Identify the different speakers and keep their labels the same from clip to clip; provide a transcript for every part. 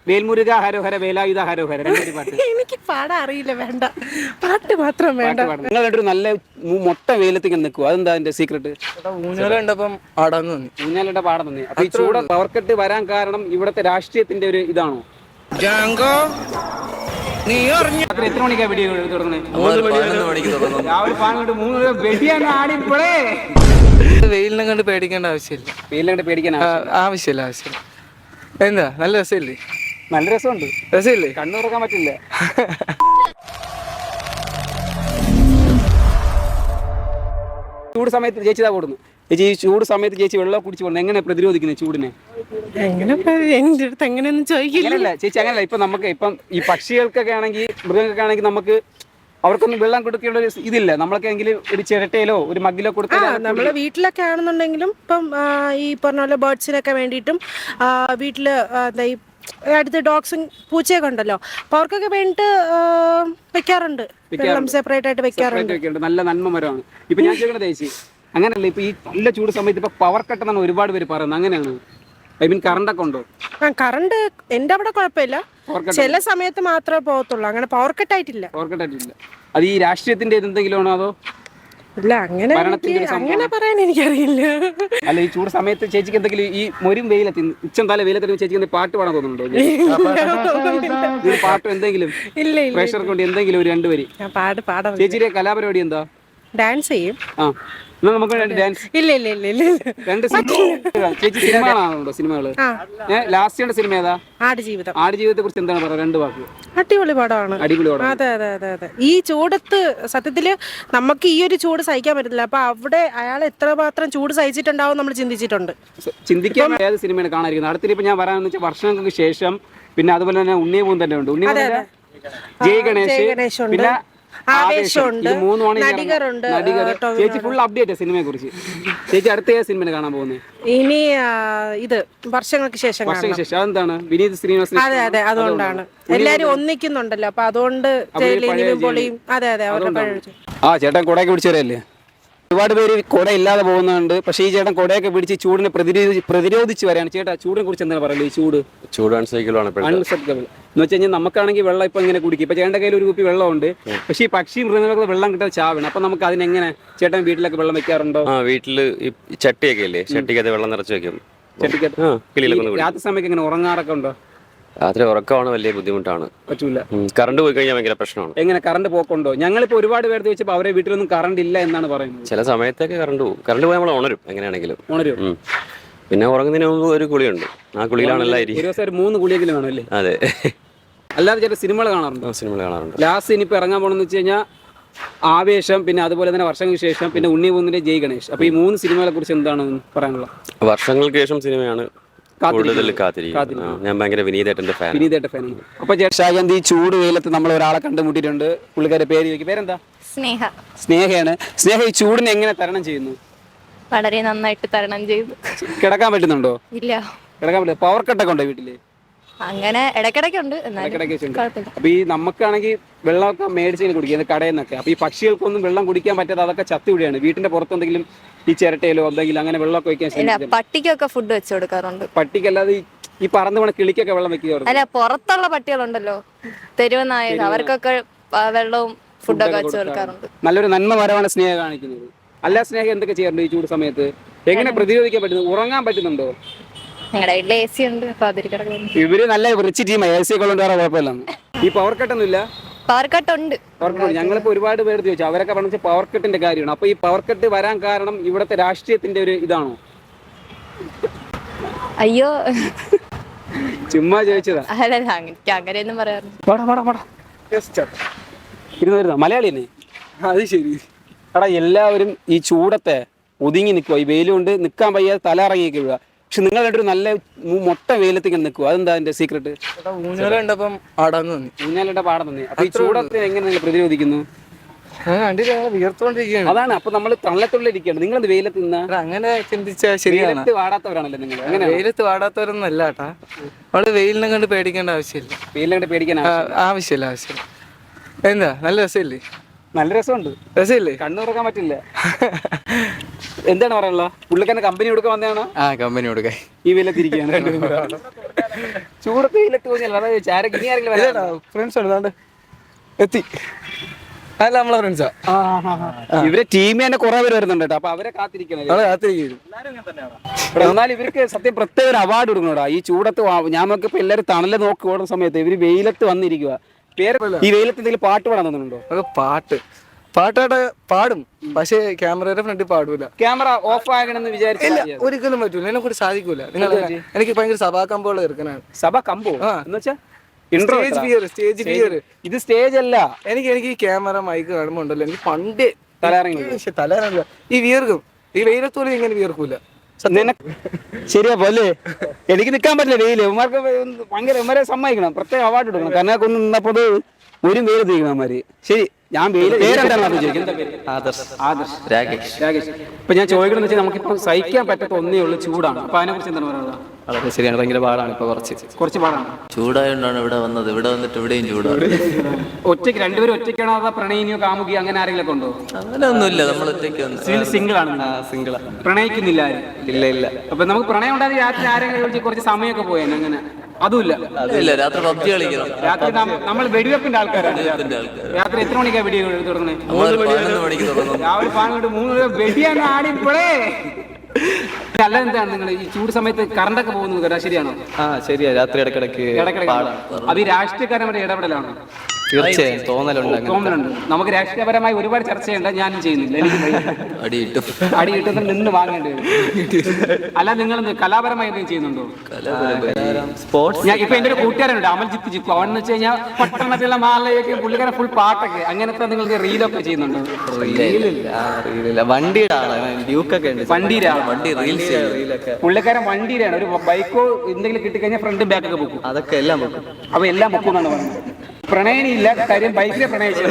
Speaker 1: വേൽമുരുക ഹരോഹര വേലായുധ ഹരോഹര രണ്ടൊരു പാട്ട്.
Speaker 2: എനിക്ക് പാടാൻ അറിയില്ല, വേണ്ട, പാട്ട് മാത്രം വേണ്ട.
Speaker 1: നിങ്ങൾ രണ്ടൊരു നല്ല മൊട്ട വെയിലത്ത് ഇങ്ങനെ നിൽക്കുക, അതെന്താ അതിന്റെ സീക്രട്ട്?
Speaker 3: ഊഞ്ഞാലുണ്ടപ്പം ആടാന്ന് തോന്നി.
Speaker 1: ഊഞ്ഞാലിന്റെ പാടം തന്നെ. അപ്പൊ ഈ ചൂട് പവർ കട്ട് വരാൻ കാരണം ഇവിടുത്തെ രാഷ്ട്രീയത്തിന്റെ ഒരു ഇതാണോ? എത്ര മണിക്കാ വെടി തുടങ്ങുന്നത്? രാവിലെ 3 വെടിയാണ് ആടിപ്പോഴേ.
Speaker 3: വെയിലിനെ കണ്ട് പേടിക്കേണ്ട ആവശ്യമില്ല.
Speaker 1: വെയിലിനെ കണ്ട് പേടിക്കാൻ
Speaker 3: ആവശ്യമില്ല. എന്താ നല്ല രസമില്ലേ?
Speaker 1: നല്ല രസമുണ്ട്.
Speaker 3: രസമില്ലേ?
Speaker 1: കണ്ണു തുറക്കാൻ പറ്റില്ല. ചൂട് സമയത്ത് ചേച്ചി ഇതാ കൊടുക്കുന്നു. ചേച്ചി ഈ ചൂട് സമയത്ത് ചേച്ചി വെള്ളം കുടിച്ചു പോകുന്നത് എങ്ങനെ പ്രതിരോധിക്കുന്നത് ചൂടിനെ?
Speaker 2: എന്റെ അടുത്ത് എങ്ങനെയൊന്നും ചോദിക്കില്ല
Speaker 1: ചേച്ചി. അങ്ങനല്ല, ഇപ്പൊ നമുക്ക് ഇപ്പം ഈ പക്ഷികൾക്കൊക്കെ ആണെങ്കിൽ മൃഗങ്ങൾക്കൊക്കെ ആണെങ്കിൽ നമുക്ക് അവർക്കൊന്നും വെള്ളം കൊടുക്കേണ്ട ഒരു ഇതില്ല. നമ്മളൊക്കെ എങ്കിലും ഒരു ചിരട്ടയിലോ ഒരു മഗ്ഗിലോ കൊടുത്താൽ
Speaker 2: നമ്മള് വീട്ടിലൊക്കെ ആണെന്നുണ്ടെങ്കിലും ഇപ്പം ഈ പറഞ്ഞ പോലെ ബേർഡ്സിനൊക്കെ വേണ്ടിയിട്ടും വീട്ടില് എന്താ ഈ അടുത്ത് ഡോഗ്സും പൂച്ചയൊക്കെ ഉണ്ടല്ലോ, അപ്പൊ അവർക്കൊക്കെ വേണ്ടിട്ട് വെക്കാറുണ്ട്. വെള്ളം സെപ്പറേറ്റ് ആയിട്ട് വെക്കാറുണ്ട്.
Speaker 1: നല്ല നന്മ മരമാണ്. ഇപ്പൊ ഞാൻ ചോദിക്കണത് ചേച്ചി, അങ്ങനെയല്ല, ഇപ്പൊ ഈ നല്ല ചൂട് സമയത്ത് ഇപ്പൊ പവർ കട്ട് എന്നാണ് ഒരുപാട് പേര് പറയുന്നത്, അങ്ങനെയാണ്? ഐ മീൻ കറണ്ട് ഒക്കെ ഉണ്ടോ?
Speaker 2: കറണ്ട് എന്റെ അവിടെ കുഴപ്പമില്ല, ചില സമയത്ത് മാത്രമേ പോകത്തുള്ളൂ. അങ്ങനെ പവർ കട്ട് ആയിട്ടില്ല.
Speaker 1: അത് ഈ രാഷ്ട്രീയത്തിന്റെ എന്തെങ്കിലും ആണോ അതോ?
Speaker 2: ഇല്ല, അങ്ങനെ പറയാൻ എനിക്കറിയില്ല.
Speaker 1: അല്ല, ഈ ചൂട് സമയത്ത് ചേച്ചിക്ക് എന്തെങ്കിലും ഈ മൊരും വെയിലെത്തി ഉച്ചം തല വെയിലെത്തി ചേച്ചിക്ക് പാട്ട് പാടാൻ തോന്നുന്നുണ്ടോ? പാട്ട് എന്തെങ്കിലും പ്രഷർ കൊണ്ട് എന്തെങ്കിലും ഒരു 2 വരി ചേച്ചിയുടെ കലാപരിപാടി എന്താ?
Speaker 2: ഡാൻസ് ചെയ്യും.
Speaker 1: നമുക്ക് ഡാൻസ്
Speaker 2: ഇല്ല.
Speaker 1: 2 ചേച്ചി സിനിമകളാണോ? സിനിമകള് ലാസ്റ്റ് കണ്ട സിനിമ ഏതാ? ആടുജീവിതത്തെ കുറിച്ച് എന്താണ് പറയുക? 2 വാക്ക്.
Speaker 2: അടിപൊളി പടമാണ്. അതെ. ഈ ചൂടത്ത് സത്യത്തില് നമുക്ക് ഈ ഒരു ചൂട് സഹിക്കാൻ പറ്റത്തില്ല. അപ്പൊ അവിടെ അയാൾ എത്രമാത്രം ചൂട് സഹിച്ചിട്ടുണ്ടാവും നമ്മൾ
Speaker 1: ചിന്തിക്കാൻ ഏത് സിനിമയാണ് കാണാതിരിക്കുന്നത്? അടുത്തിപ്പോ ഞാൻ പറയാന്ന് വെച്ചാൽ വർഷങ്ങൾക്ക് ശേഷം പിന്നെ അതുപോലെ തന്നെ ഉണ്ണിയപൂൻ തന്നെ ഉണ്ട്. ജയ് ഗണേഷ് പിന്നെ
Speaker 2: ആവേശമുണ്ട്, നടികരുണ്ട്.
Speaker 1: ചേച്ചി ഫുൾ അപ്ഡേറ്റ് സിനിമയെ കുറിച്ച്. ചേച്ചി അടുത്ത സിനിമ കാണാൻ പോകുന്നത്
Speaker 2: ഇനി ഇത് വർഷങ്ങൾക്ക് ശേഷം.
Speaker 1: അതെന്താണ്? വിനീത് ശ്രീനിവാസൻ.
Speaker 2: അതെ, അതുകൊണ്ടാണ് എല്ലാരും ഒന്നിക്കുന്നുണ്ടല്ലോ, അപ്പൊ അതുകൊണ്ട് പൊളിയും. അതെ.
Speaker 1: ചേട്ടൻ കൊടയൊക്കെ പിടിച്ചു വരല്ലേ? ഒരുപാട് പേര് കുട ഇല്ലാതെ പോകുന്നുണ്ട്. പക്ഷേ ഈ ചേട്ടൻ കുടയൊക്കെ പിടിച്ച് ചൂടിനെ പ്രതിരോധിച്ച് വരാണ്. ചേട്ടാ, ചൂടിനെ കുറിച്ച് എന്താണ് പറയുന്നത്? ഈ ചൂട് അൺസൈക്കിൾ എന്ന് വെച്ച് കഴിഞ്ഞാൽ നമുക്കാണെങ്കിൽ വെള്ളം ഇപ്പൊ ഇങ്ങനെ കുടിക്കും. ഇപ്പൊ ചേട്ടൻ്റെ കയ്യിൽ ഒരു കുപ്പി വെള്ളമുണ്ട്, പക്ഷേ ഈ പക്ഷി മൃഗങ്ങളൊക്കെ വെള്ളം കിട്ടാൻ ചാവണം. അപ്പൊ നമുക്ക് അതിനെങ്ങനെ ചേട്ടൻ വീട്ടിലൊക്കെ വെള്ളം വെക്കാറുണ്ടോ?
Speaker 4: വീട്ടില് ചട്ടിയൊക്കെ ഇല്ലേ, ചട്ടിക്കകത്ത് വെള്ളം നിറച്ച് വെക്കും.
Speaker 1: രാത്രി സമയത്ത് ഇങ്ങനെ ഉറങ്ങാറൊക്കെ ഉണ്ടോ?
Speaker 4: രാത്രി ഉറക്കമാണ് വലിയ ബുദ്ധിമുട്ടാണ്.
Speaker 1: പറ്റൂല.
Speaker 4: കറണ്ട് പോയി കഴിഞ്ഞാൽ ഭയങ്കര പ്രശ്നമാണ്.
Speaker 1: എങ്ങനെ കറണ്ട് പോക്കുണ്ടോ? ഞങ്ങളിപ്പോ ഒരുപാട് പേര് ചോദിച്ചപ്പോൾ അവരെ വീട്ടിലൊന്നും കറണ്ട് ഇല്ല എന്നാണ് പറയുന്നത്.
Speaker 4: ചില സമയത്തൊക്കെ കറണ്ട് പോകും. കറണ്ട് പോയി നമ്മൾ ഉണരും, എങ്ങനെയാണെങ്കിലും ഉണരും. പിന്നെ ഉറങ്ങുന്നതിന് മുമ്പ് ഒരു കുളിയുണ്ട്, ആ കുളിയിലാണ് എല്ലാവരും.
Speaker 1: ഒരു ദിവസം 3 കുളിയെങ്കിലും വേണം അല്ലേ?
Speaker 4: അതെ.
Speaker 1: അല്ലാതെ ചേട്ടാ സിനിമകൾ കാണാറുണ്ടോ?
Speaker 4: സിനിമകൾ കാണാറുണ്ട്.
Speaker 1: ലാസ്റ്റ് ഇനിയിപ്പോൾ ഇറങ്ങാൻ പോകണമെന്ന് വെച്ച് കഴിഞ്ഞാൽ ആവേശം, പിന്നെ അതുപോലെ തന്നെ വർഷങ്ങൾക്ക് ശേഷം, പിന്നെ ഉണ്ണിയപൂന്നിന്റെ ജയ് ഗണേഷ്. അപ്പൊ ഈ 3 സിനിമകളെ കുറിച്ച് എന്താണ് പറയാനുള്ളത്?
Speaker 4: വർഷങ്ങൾക്ക് ശേഷം സിനിമയാണ് കൂടുതൽ കാത്തിരിക്കും. ഞാൻ ഭയങ്കര വിനീതേട്ടന്റെ ഫാനാണ്.
Speaker 1: അപ്പൊ ചേട്ടാ, ചൂട് വെയിലത്ത് നമ്മൾ ഒരാളെ കണ്ടുമുട്ടിയിട്ടുണ്ട്. പുള്ളിക്കാരുടെ പേര് ചോദിക്കും. പേരെന്താ? സ്നേഹയാണ്. സ്നേഹ ഈ ചൂടിനെ എങ്ങനെ തരണം ചെയ്യുന്നു?
Speaker 5: വളരെ നന്നായിട്ട് തരണം ചെയ്തു.
Speaker 1: കിടക്കാൻ പറ്റുന്നുണ്ടോ?
Speaker 5: ഇല്ല,
Speaker 1: കിടക്കാൻ പറ്റില്ല. പവർ കട്ടൊക്കെ ഉണ്ടോ വീട്ടില്?
Speaker 5: അങ്ങനെ ഇടയ്ക്കിടയ്ക്കുണ്ട്.
Speaker 1: അപ്പൊ ഈ നമുക്കാണെങ്കിൽ വെള്ളമൊക്കെ മേടിച്ച് കുടിക്കുന്നത് കടയിൽ നിന്നൊക്കെ. അപ്പൊ ഈ പക്ഷികൾക്കൊന്നും വെള്ളം കുടിക്കാൻ പറ്റാതെ അതൊക്കെ ചത്തുവിടുകയാണ്. വീട്ടിന്റെ പുറത്ത് എന്തെങ്കിലും ഈ ചിരട്ടയിലോ എന്തെങ്കിലും അങ്ങനെ വെള്ളമൊക്കെ വെക്കാൻ
Speaker 5: പട്ടിക്കൊക്കെ ഫുഡ് വെച്ച് കൊടുക്കാറുണ്ട്.
Speaker 1: പട്ടിക്കല്ലാതെ ഈ പറന്ന് പോണ കിളിക്കൊക്കെ വെള്ളം വെക്കുക?
Speaker 5: അല്ല, പുറത്തുള്ള പട്ടികളുണ്ടല്ലോ, തെരുവ് നായ, അവർക്കൊക്കെ വെള്ളവും ഫുഡൊക്കെ വെച്ച് കൊടുക്കാറുണ്ട്.
Speaker 1: നല്ലൊരു നന്മ മരമാണ് സ്നേഹം കാണിക്കുന്നത്. അല്ല, സ്നേഹം എന്തൊക്കെ ചെയ്യാറുണ്ട് ഈ ചൂട് സമയത്ത്? എങ്ങനെ പ്രതിരോധിക്കാൻ പറ്റുന്നു? ഉറങ്ങാൻ പറ്റുന്നുണ്ടോ?
Speaker 5: ഞങ്ങളുടെ വീട്ടിൽ AC ഉണ്ട്, അപ്പൊ അതിൽ കിടക്കുന്നു.
Speaker 1: ഇവര് നല്ല റിച്ച് ടീമാണ്, AC ഒക്കെ ഉള്ളത് വേറെ കുഴപ്പമില്ല. ഈ പവർ കട്ടൊന്നും ഇല്ല?
Speaker 5: പവർ കട്ട് ഉണ്ട്.
Speaker 1: ഞങ്ങളിപ്പോ ഒരുപാട് പേര് ചോദിച്ചു, അവരൊക്കെ പറഞ്ഞ പവർ കട്ടിന്റെ കാര്യമാണ്. അപ്പൊ ഈ പവർ കട്ട് വരാൻ കാരണം ഇവിടുത്തെ രാഷ്ട്രീയത്തിന്റെ ഒരു ഇതാണോ?
Speaker 5: അയ്യോ,
Speaker 1: ചുമ്മാ ചോദിച്ചതാ.
Speaker 5: അല്ല, അങ്ങനെയൊന്നും പറയാറുണ്ട്.
Speaker 1: മലയാളി തന്നെ. അത് ശരി. എടാ, എല്ലാവരും ഈ ചൂടത്തെ ഒതുങ്ങി നിൽക്കുക. ഈ വെയിലുകൊണ്ട് നിൽക്കാൻ വയ്യാതെ തല ഇറങ്ങിയൊക്കെ വീഴുക. പക്ഷെ നിങ്ങൾ രണ്ടൊരു നല്ല മൊട്ട വെയിലത്ത് ഇങ്ങനെ നിൽക്കുക, അതെന്താ അതിന്റെ സീക്രട്ട്?
Speaker 3: ഊഞ്ഞാലുണ്ടപ്പം ആടാന്ന് തോന്നി.
Speaker 1: ഊഞ്ഞാലിന്റെ പാടം തന്നെ. അപ്പൊ ഈ ചൂടത്തെ എങ്ങനെ നിങ്ങൾ പ്രതിരോധിക്കുന്നു?
Speaker 3: വിയർത്തോണ്ടിരിക്കുകയാണ്.
Speaker 1: അതാണ്. അപ്പൊ നമ്മൾ തള്ളത്തുള്ളിരിക്കുകയാണ്. നിങ്ങളത് വെയിലത്ത് നിന്നാ
Speaker 3: അങ്ങനെ ചിന്തിച്ചാൽ ശരിയാണ്.
Speaker 1: വാടാത്തവരാണല്ലോ നിങ്ങൾ. അങ്ങനെ
Speaker 3: വെയിലത്ത് വാടാത്തവരൊന്നും അല്ല കേട്ടാ. അവള് വെയിലിനെ കണ്ട് പേടിക്കേണ്ട ആവശ്യമില്ല.
Speaker 1: വെയിലിനെ കണ്ട് പേടിക്കാൻ
Speaker 3: ആവശ്യമില്ല. എന്താ നല്ല രസമില്ലേ?
Speaker 1: നല്ല രസമുണ്ട്.
Speaker 3: രസമില്ലേ?
Speaker 1: കണ്ണു തുറക്കാൻ പറ്റില്ല. എന്താണ് പറയാനുള്ള പുള്ളിക്കാരൻ കമ്പനി കൊടുക്കാൻ വന്നതാണോ
Speaker 3: ആ കമ്പനി കൊടുക്കാൻ
Speaker 1: ഈ വെയിലത്തിരിക്കുകയാണ് ചൂടത്ത് വെയിലത്ത് തോന്നിയല്ലോ അതായത് ആരൊക്കെ ഇനി ആരെങ്കിലും വരാനുണ്ടോ?
Speaker 3: ഫ്രണ്ട്സ് ഉണ്ട് എത്തി അല്ല നമ്മളെ ഫ്രണ്ട്സാ
Speaker 1: ഇവരെ ടീമിൽ തന്നെ കുറെ പേര് വരുന്നുണ്ട് കേട്ടോ. അപ്പൊ അവരെ കാത്തിരിക്കണം. എന്നാൽ ഇവർക്ക് സത്യം പ്രത്യേക ഒരു അവാർഡ് കൊടുക്കണോടാ. ഈ ചൂടത്ത് ഞാൻ നോക്കിയപ്പോ എല്ലാവരും തണല് നോക്കി ഓടുന്ന സമയത്ത് ഇവര് വെയിലത്ത് വന്നിരിക്കുക. പേര് ഈ വെയിലത്ത് എന്തെങ്കിലും പാട്ട് പാടാൻ തോന്നുന്നുണ്ടോ?
Speaker 3: പാട്ടായിട്ട് പാടും, പക്ഷേ ക്യാമറയുടെ ഫ്രണ്ടിൽ പാടൂല.
Speaker 1: ക്യാമറ ഓഫ് ആകണമെന്ന് വിചാരിച്ചില്ല,
Speaker 3: ഒരിക്കലും പറ്റൂല, എന്നെ കൂടി സാധിക്കൂല. നിങ്ങൾ എനിക്ക് ഭയങ്കര സഭാ കമ്പോള് തീർക്കാനാണ്.
Speaker 1: സഭ കമ്പോ എന്ന് വെച്ചാ
Speaker 3: സ്റ്റേജ് ഫിയർ.
Speaker 1: ഇത് സ്റ്റേജ് അല്ല.
Speaker 3: എനിക്ക് ഈ ക്യാമറ മൈക്ക് കാണുമ്പോ ഉണ്ടല്ലോ എനിക്ക് പണ്ടേ
Speaker 1: തലയിറങ്ങി
Speaker 3: തലയിറങ്ങില്ല. ഈ വിയർക്കും, ഈ വെയിലത്തോലും ഇങ്ങനെ വിയർക്കൂല.
Speaker 1: ശരിയാ പോലെ എനിക്ക് നിൽക്കാൻ പറ്റില്ല വെയില്. ഇവന്മാർക്ക് ഭയങ്കര ഇവന്മാരെ സമ്മതിക്കണം, പ്രത്യേക അവാർഡ് കൊടുക്കണം. കാരണം ഒന്ന് നിന്നപ്പോ ഒരു വെയിൽ തീരുന്നു അവന്മാര്. ശരി, ഞാൻ വെയില് പേരെന്താണെന്ന് ചോദിക്കും. ആദർശ്, രാകേഷ്. ഇപ്പൊ ഞാൻ ചോദിക്കണമെന്ന് വെച്ചാൽ നമുക്കിപ്പോ സഹിക്കാൻ പറ്റാത്ത ഒന്നേ ഉള്ളൂ, ചൂടാണ്. അപ്പൊ അതിനെ കുറിച്ച് എന്താണ് പറയുന്നത്?
Speaker 3: വളരെ ശരിയാണ്, ഭയങ്കര പാടാണ് ഇപ്പൊ, കുറച്ച് പാടാണ്.
Speaker 6: ചൂടായോണ്ടാണ് ഇവിടെ വന്നത്. ഇവിടെ വന്നിട്ട് ഇവിടെയും ചൂടാണ്.
Speaker 1: ഒറ്റയ്ക്ക് രണ്ടുപേരും ഒറ്റയ്ക്കാണോ അതോ പ്രണയിനിയോ കാമുകിയോ അങ്ങനെ ആരെങ്കിലും ഉണ്ടോ?
Speaker 6: അങ്ങനെ ഒന്നുമില്ല, നമ്മൾ ഒറ്റയ്ക്ക്
Speaker 1: സിംഗിൾ ആണ്. പ്രണയിക്കുന്നില്ല ആരും?
Speaker 3: ഇല്ല.
Speaker 1: അപ്പൊ നമുക്ക് പ്രണയം ഉണ്ടാകുന്ന രാത്രി ആരെങ്കിലും വിളിച്ച് കുറച്ച് സമയമൊക്കെ പോയാൽ അങ്ങനെ അതുമില്ല.
Speaker 6: രാത്രി പബ്ജി കളിക്കണം.
Speaker 1: രാത്രി നമ്മൾ വെടിവെപ്പിന്റെ ആൾക്കാരാണ്. രാത്രി എത്ര മണിക്കാണ് വെടി തുടങ്ങണേ?
Speaker 6: 11 മണിക്ക് തുടങ്ങും.
Speaker 1: രാവിലെ 3 വെടിയാണ് ആടിപ്പോഴേ. അല്ല, എന്താണ് നിങ്ങൾ ഈ ചൂട് സമയത്ത് കറണ്ടൊക്കെ പോകുന്നത് കേട്ടോ, ശരിയാണോ?
Speaker 3: ശരിയാ, രാത്രി ഇടക്കിടക്ക്
Speaker 1: അത് ഈ രാഷ്ട്രീയക്കാരുടെ ഇടപെടലാണ്.
Speaker 3: തീർച്ചയായും തോന്നലുണ്ട്.
Speaker 1: നമുക്ക് രാഷ്ട്രീയപരമായി ഒരുപാട് ചർച്ചയുണ്ട്, ഞാനും ചെയ്യുന്നില്ല. എനിക്ക് അടി കിട്ടുന്ന നിന്ന് വാങ്ങേണ്ടി വരും. അല്ല, നിങ്ങൾ കലാപരമായി എന്തെങ്കിലും ചെയ്യുന്നുണ്ടോ?
Speaker 3: സ്പോർട്സ്.
Speaker 1: ഇപ്പൊ എന്റെ ഒരു കൂട്ടുകാരുണ്ട്, അമൽജിത്ത് ജിക്കു. അവനെന്ന് വെച്ച് കഴിഞ്ഞാൽ പട്ടണത്തിലുള്ള മാലയൊക്കെ പുള്ളിക്കാരൻ ഫുൾ പാട്ടൊക്കെ അങ്ങനത്തെ നിങ്ങൾക്ക് റീലൊക്കെ ചെയ്യുന്നുണ്ടോ?
Speaker 3: വണ്ടിയുടെ ആളാണ്, ഡ്യൂക്കൊക്കെ ഉണ്ട്.
Speaker 6: വണ്ടി റീൽസ്
Speaker 1: പുള്ളിക്കാരൻ വണ്ടിയിലാണ്. ഒരു ബൈക്കോ എന്തെങ്കിലും കിട്ടിക്കഴിഞ്ഞാൽ ഫ്രണ്ടും ബാക്കൊക്കെ പൊക്കും.
Speaker 3: അതൊക്കെ എല്ലാം പൊക്കും.
Speaker 1: അപ്പൊ എല്ലാം പൊക്കും എന്നാണ് പറയുന്നത്. പ്രണയനില്ല കാര്യം, ബൈക്കിലെ പ്രണയിച്ചു.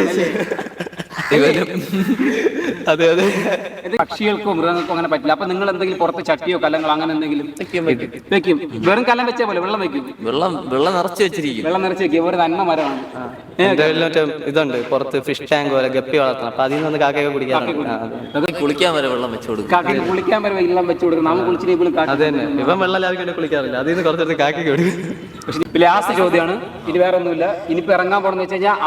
Speaker 3: അതെ.
Speaker 1: പക്ഷികൾക്കോ മൃഗങ്ങൾക്കോ അങ്ങനെ പറ്റില്ല. അപ്പൊ നിങ്ങൾ എന്തെങ്കിലും പുറത്ത് ചട്ടിയോ കല്ലങ്ങളോ അങ്ങനെ എന്തെങ്കിലും വെക്കും? വെറും കല്ലം വെച്ചാൽ പോലെ വെള്ളം വെക്കും?
Speaker 6: വെള്ളം നിറച്ച് വെച്ചിരിക്കും.
Speaker 1: വെള്ളം നിറച്ച് വെക്കും. ഒരു നന്മ മരമാണ്.
Speaker 3: ഇതുണ്ട് പുറത്ത് ഫിഷ് ടാങ്ക് പോലെ ഗപ്പി വളർത്തണം. അപ്പൊ അതിൽ നിന്ന് കാക്കയൊക്കെ കുടിക്കാറുണ്ട്.
Speaker 6: കുളിക്കാൻ വരെ വെള്ളം വെച്ചു കൊടുക്കും.
Speaker 1: കാക്കയ്ക്ക് കുളിക്കാൻ വരെ വെള്ളം വെച്ചു കൊടുക്കും. നമ്മൾ കുളിച്ചിട്ട്
Speaker 3: അത് തന്നെ. ഇവൻ വെള്ളം ലാഭിക്കാൻ കുളിക്കാറില്ല, അതിൽ നിന്ന് കുറച്ചെടുത്ത് കാക്കയ്ക്ക് കൊടുക്കും.
Speaker 1: ലാസ്റ്റ് ചോദ്യമാണ്, ഇനി വേറെ ഒന്നുമില്ല. ഇനിയിപ്പോ ഇറങ്ങാൻ പോണെന്ന് വെച്ച് കഴിഞ്ഞാൽ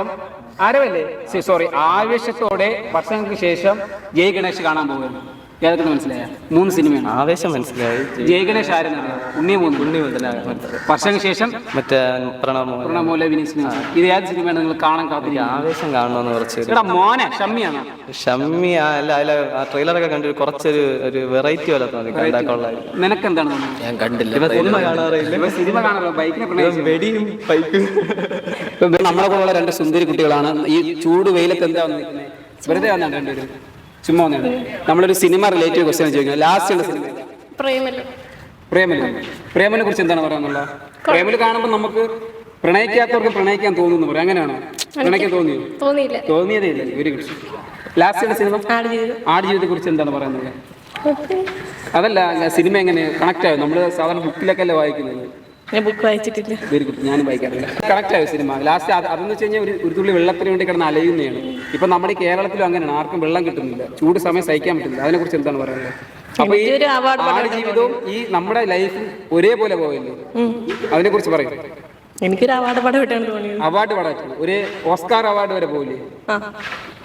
Speaker 1: ആവേശത്തോടെ വർഷങ്ങൾക്ക് ശേഷം ജയ് ഗണേഷ് കാണാൻ പോകുന്നു. ഏതൊക്കെ മനസ്സിലായ 3 സിനിമയാണ്.
Speaker 3: ആവേശം മനസ്സിലായി.
Speaker 1: ജയ് ഗണേഷ് ആരെന്നറിയാം? ഉണ്ണി വർഷങ്ങൾക്ക് ശേഷം മറ്റേ പ്രണമോലെ വിനീത്. ഇത് ഏത് സിനിമയാണ് നിങ്ങൾ കാണാൻ കാത്തിരിക്കുക?
Speaker 3: ആവേശം കാണണമെന്ന് കുറച്ച്.
Speaker 1: മോനെ ഷമ്മിയാണ്.
Speaker 3: ഷമ്മി അല്ല, ട്രെയിലറൊക്കെ കണ്ടിട്ട് കുറച്ചൊരു വെറൈറ്റി പോലെ തോന്നി.
Speaker 1: നിനക്ക് എന്താണ്?
Speaker 6: ഞാൻ കണ്ടില്ല,
Speaker 3: സിനിമ കാണാറില്ല.
Speaker 1: സിനിമ കാണാറില്ല, ബൈക്കിനെ
Speaker 3: വെടിയും ബൈക്കും.
Speaker 1: നമ്മളെ പോലുള്ള 2 സുന്ദരി കുട്ടികളാണ് ഈ ചൂട് വെയിലത്ത് എന്താ വന്നിരിക്കുന്നത്? വെറുതെ വന്നാണ് രണ്ടുപേരും, ചുമ്മാ വന്നാണ്. നമ്മളൊരു സിനിമ റിലേറ്റീവ് ക്വസ്റ്റ്യൻ ചോദിക്കുന്നത്. ലാസ്റ്റ് സിനിമ പ്രേമനെ കുറിച്ച് എന്താണ് പറയാനുള്ളത്? പ്രേമല് കാണുമ്പോൾ നമുക്ക് പ്രണയിക്കാത്തവർക്ക് പ്രണയിക്കാൻ തോന്നുന്നു പറയാം. അങ്ങനെയാണോ? പ്രണയിക്കാൻ തോന്നിയതേ ഇല്ല. Very good. ലാസ്റ്റ് സിനിമ ആടുജീവിതത്തെ കുറിച്ച് എന്താണ് പറയുന്നത്? അതല്ല, സിനിമ എങ്ങനെ കണക്ട് ആയോ? നമ്മൾ സാധാരണ ബുക്കിലൊക്കെ അല്ലേ വായിക്കുന്നത്.
Speaker 5: ബുക്ക് വായിച്ചിട്ടില്ല.
Speaker 1: Very good. ഞാനും വായിക്കാറില്ല. കണക്ട് ആയോ സിനിമ? ലാസ്റ്റ് അതെന്ന് വെച്ച് കഴിഞ്ഞാൽ ഒരു തുള്ളി വെള്ളത്തിന് വേണ്ടി കിടന്ന് അലയുന്നതാണ്. ഇപ്പൊ നമ്മുടെ ഈ കേരളത്തിലും അങ്ങനെയാണ്, ആർക്കും വെള്ളം കിട്ടുന്നില്ല, ചൂട് സമയം സഹിക്കാൻ പറ്റില്ല. അതിനെ കുറിച്ച് എന്താണ് പറയുന്നത്? അപ്പൊ ഈ ആടുജീവിതവും ഈ നമ്മുടെ ലൈഫും ഒരേപോലെ പോയല്ലോ, അതിനെ കുറിച്ച് പറയും.
Speaker 5: എനിക്കൊരു അവാർഡ് പടം കിട്ടാൻ തോന്നിയത്.
Speaker 1: അവാർഡ് പടം ഒരു ഓസ്കാർ അവാർഡ് വരെ പോകില്ലേ?